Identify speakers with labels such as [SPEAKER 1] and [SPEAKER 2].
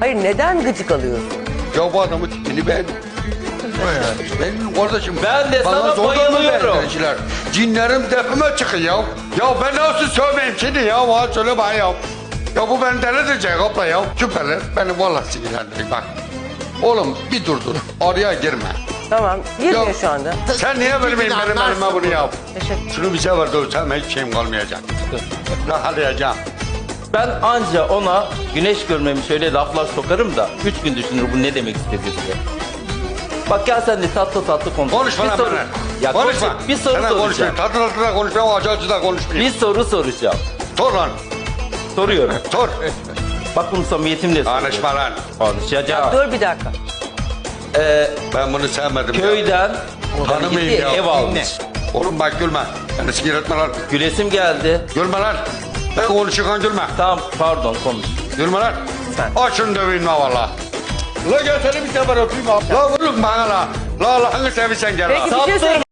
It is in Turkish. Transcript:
[SPEAKER 1] Hayır, neden gıcık alıyorsun?
[SPEAKER 2] Ya bu adamın tipini beğendim. Benim kardeşim.
[SPEAKER 3] Ben de sana
[SPEAKER 2] zorla mı
[SPEAKER 3] bayılıyorum.
[SPEAKER 2] beğendiler? Cinlerim tepeme çıkıyor ya. Ya ben nasıl sövmeyeyim şimdi ya? Bana söyle bana ya. Ya bu beni delirecek abla ya. Süperler. Beni vallahi sinirlendirin bak. Oğlum bir dur. Araya girme.
[SPEAKER 1] Tamam, girmiyor
[SPEAKER 2] Ya,
[SPEAKER 1] şu anda.
[SPEAKER 2] Sen niye benim elime bunu yap?
[SPEAKER 1] Teşekkür.
[SPEAKER 2] Şunu bize ver dövsem hiç şeyim kalmayacak. Rahatlayacağım.
[SPEAKER 3] Ben anca ona güneş görmemiş öyle laflar sokarım da 3 gün düşünür bu ne demek istedi diye. Bak gel sen de tatlı tatlı konuş.
[SPEAKER 2] Konuşma lan bana.
[SPEAKER 3] Ya
[SPEAKER 2] Konuşma.
[SPEAKER 3] Bir soru
[SPEAKER 2] Sana
[SPEAKER 3] soracağım.
[SPEAKER 2] konuşmayayım. Tatlı da konuşmayayım. Acı da konuşmayayım.
[SPEAKER 3] Bir soru soracağım.
[SPEAKER 2] Sor lan.
[SPEAKER 3] Soruyorum.
[SPEAKER 2] Sor.
[SPEAKER 3] Bak bunu samimiyetimle soruyorum.
[SPEAKER 2] Konuşma lan.
[SPEAKER 3] Konuşacağım.
[SPEAKER 1] Dur bir dakika.
[SPEAKER 2] Ben bunu sevmedim ya.
[SPEAKER 3] Köyden
[SPEAKER 2] Tanımayayım ya.
[SPEAKER 3] ev almış.
[SPEAKER 2] Oğlum bak gülme. Beni sinir etme lan.
[SPEAKER 3] Gülesim geldi.
[SPEAKER 2] Gülme lan. Ben konuşurken gülme.
[SPEAKER 3] Tamam pardon konuş.
[SPEAKER 2] Gülme lan.
[SPEAKER 1] Sen.
[SPEAKER 2] Aç şunu döveyim la valla. La gel seni bir sefer öpeyim abi. La vurun bana la. La Allah'ını seversen gel la.
[SPEAKER 1] Peki bir şey söyle.